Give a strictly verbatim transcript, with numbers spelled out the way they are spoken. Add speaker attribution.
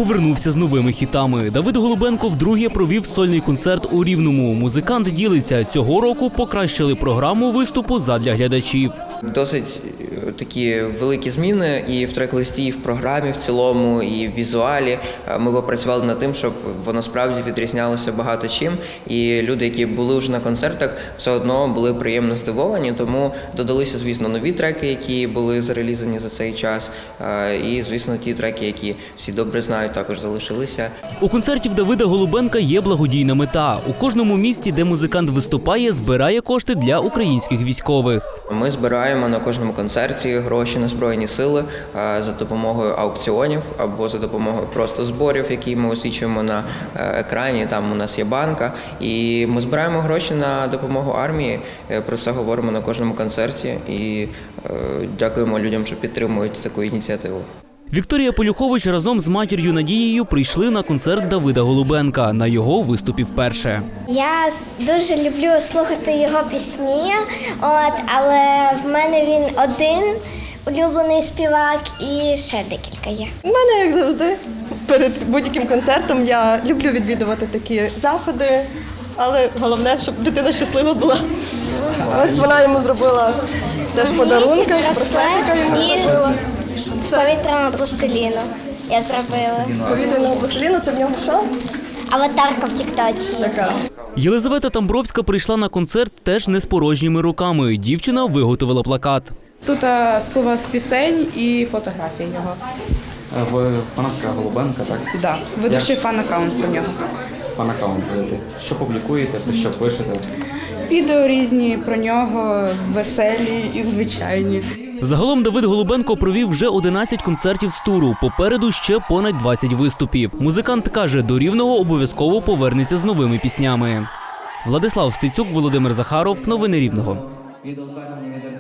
Speaker 1: повернувся з новими хітами. Давид Голубенко вдруге провів сольний концерт у Рівному. Музикант ділиться, цього року покращили програму виступу задля глядачів.
Speaker 2: Досить такі великі зміни і в трек-листі, і в програмі в цілому, і в візуалі. Ми попрацювали над тим, щоб воно справді відрізнялося багато чим. І люди, які були вже на концертах, все одно були приємно здивовані. Тому додалися, звісно, нові треки, які були зарелізані за цей час. І, звісно, ті треки, які всі добре знають, також залишилися.
Speaker 1: У концерті в Давида Голубенка є благодійна мета. У кожному місті, де музикант виступає, збирає кошти для українських військових.
Speaker 2: Ми збираємо на кожному концерті гроші на Збройні Сили за допомогою аукціонів або за допомогою просто зборів, які ми освічуємо на екрані. Там у нас є банка. І ми збираємо гроші на допомогу армії. Про це говоримо на кожному концерті. І дякуємо людям, що підтримують таку ініціативу.
Speaker 1: Вікторія Полюхович разом з матір'ю Надією прийшли на концерт Давида Голубенка. На його виступі вперше.
Speaker 3: Я дуже люблю слухати його пісні, от, але в мене він один улюблений співак і ще декілька є.
Speaker 4: У мене, як завжди, перед будь-яким концертом я люблю відвідувати такі заходи, але головне, щоб дитина щаслива була. Ось вона йому зробила теж подарунки, браслетика йому зробила.
Speaker 3: З повітряного пластиліну я зробила.
Speaker 4: З повітряного пластиліну, це в нього що?
Speaker 3: Аватарка в тіктоці.
Speaker 4: Така.
Speaker 1: Єлизавета Тамбровська прийшла на концерт теж не з порожніми руками. Дівчина виготовила плакат.
Speaker 5: Тут а, слова з пісень і фотографії його.
Speaker 6: Ви фанатка Голубенка, так?
Speaker 5: Так, да. Ведучий фан-аккаунт про нього.
Speaker 6: Фан-аккаунт ведете. Що публікуєте, про що пишете?
Speaker 5: Відео різні про нього, веселі і звичайні.
Speaker 1: Загалом Давид Голубенко провів вже одинадцять концертів з туру. Попереду ще понад двадцять виступів. Музикант каже, до Рівного обов'язково повернеться з новими піснями. Владислав Стецюк, Володимир Захаров. Новини Рівного.